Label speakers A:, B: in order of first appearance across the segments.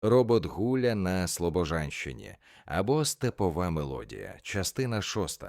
A: Робот Гуля на Слобожанщині або Степова мелодія, частина 6.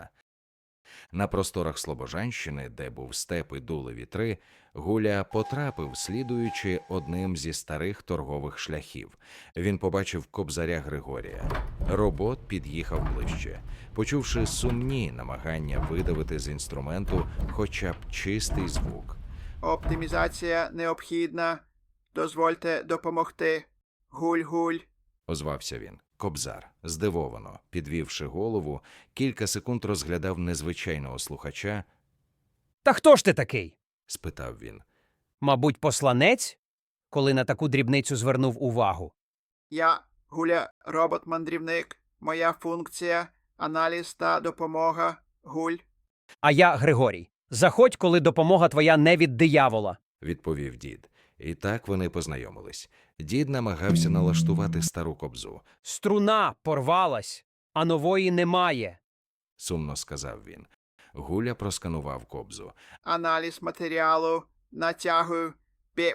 A: На просторах Слобожанщини, де був степ і дули вітри, Гуля потрапив, слідуючи одним зі старих торгових шляхів. Він побачив кобзаря Григорія. Робот під'їхав ближче. Почувши сумні намагання видавити з інструменту хоча б чистий звук.
B: Оптимізація необхідна. Дозвольте допомогти. Гуль-гуль.
A: Озвався він. Кобзар, здивовано, підвівши голову, кілька секунд розглядав незвичайного слухача.
C: Та хто ж ти такий?
A: Спитав він.
C: Мабуть, посланець? Коли на таку дрібницю звернув увагу.
B: Я Гуля, робот-мандрівник. Моя функція – аналіз та допомога. Гуль.
C: А я Григорій. Заходь, коли допомога твоя не від диявола.
A: Відповів дід. І так вони познайомились. Дід намагався налаштувати стару кобзу.
C: Струна порвалась, а нової немає.
A: Сумно сказав він. Гуля просканував кобзу.
B: Аналіз матеріалу. Натягую. Піп.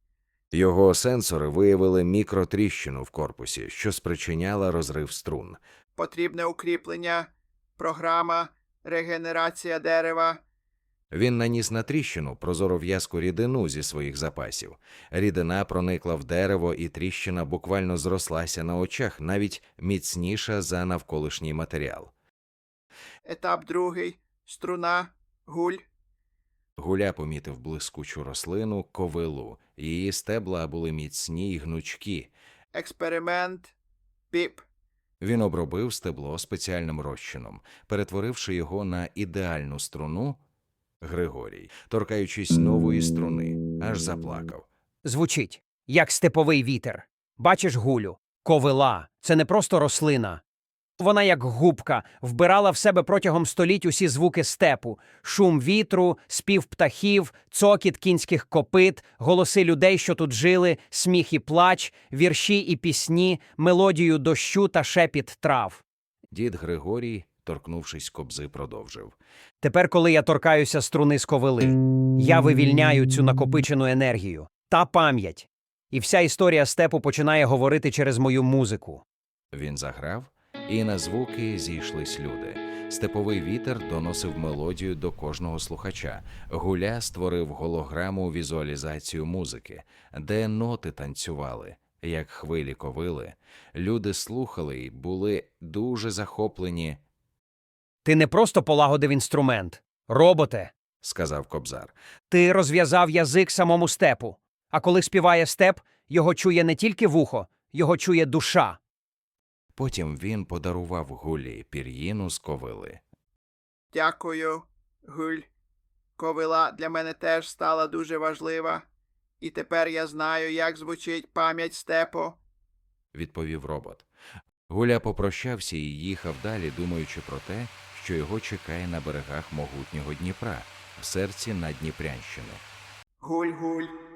A: Його сенсори виявили мікротріщину в корпусі, що спричиняла розрив струн.
B: Потрібне укріплення. Програма. Регенерація дерева.
A: Він наніс на тріщину прозору в'язку рідину зі своїх запасів. Рідина проникла в дерево, і тріщина буквально зрослася на очах, навіть міцніша за навколишній матеріал.
B: Етап другий. Струна. Гуль.
A: Гуля помітив блискучу рослину – ковилу. Її стебла були міцні й гнучкі.
B: Експеримент. Піп.
A: Він обробив стебло спеціальним розчином, перетворивши його на ідеальну струну. Григорій, торкаючись нової струни, аж заплакав.
C: Звучить, як степовий вітер. Бачиш, Гулю, ковила – це не просто рослина. Вона, як губка, вбирала в себе протягом століть усі звуки степу. Шум вітру, спів птахів, цокіт кінських копит, голоси людей, що тут жили, сміх і плач, вірші і пісні, мелодію дощу та шепіт трав.
A: Дід Григорій, торкнувшись кобзи, продовжив.
C: Тепер, коли я торкаюся струни з ковили, я вивільняю цю накопичену енергію та пам'ять. І вся історія степу починає говорити через мою музику.
A: Він заграв, і на звуки зійшлись люди. Степовий вітер доносив мелодію до кожного слухача. Гуля створив голограму візуалізацію музики, де ноти танцювали, як хвилі ковили. Люди слухали і були дуже захоплені.
C: Ти не просто полагодив інструмент, роботе.
A: – сказав кобзар.
C: Ти розв'язав язик самому степу. А коли співає степ, його чує не тільки вухо, його чує душа.
A: Потім він подарував Гулі пір'їну з ковили.
B: Дякую, Гуль. Ковила для мене теж стала дуже важлива. І тепер я знаю, як звучить пам'ять степу.
A: Відповів робот. Гуля попрощався і їхав далі, думаючи про те, що його чекає на берегах могутнього Дніпра, в серці Надніпрянщини.
B: Гуль-гуль.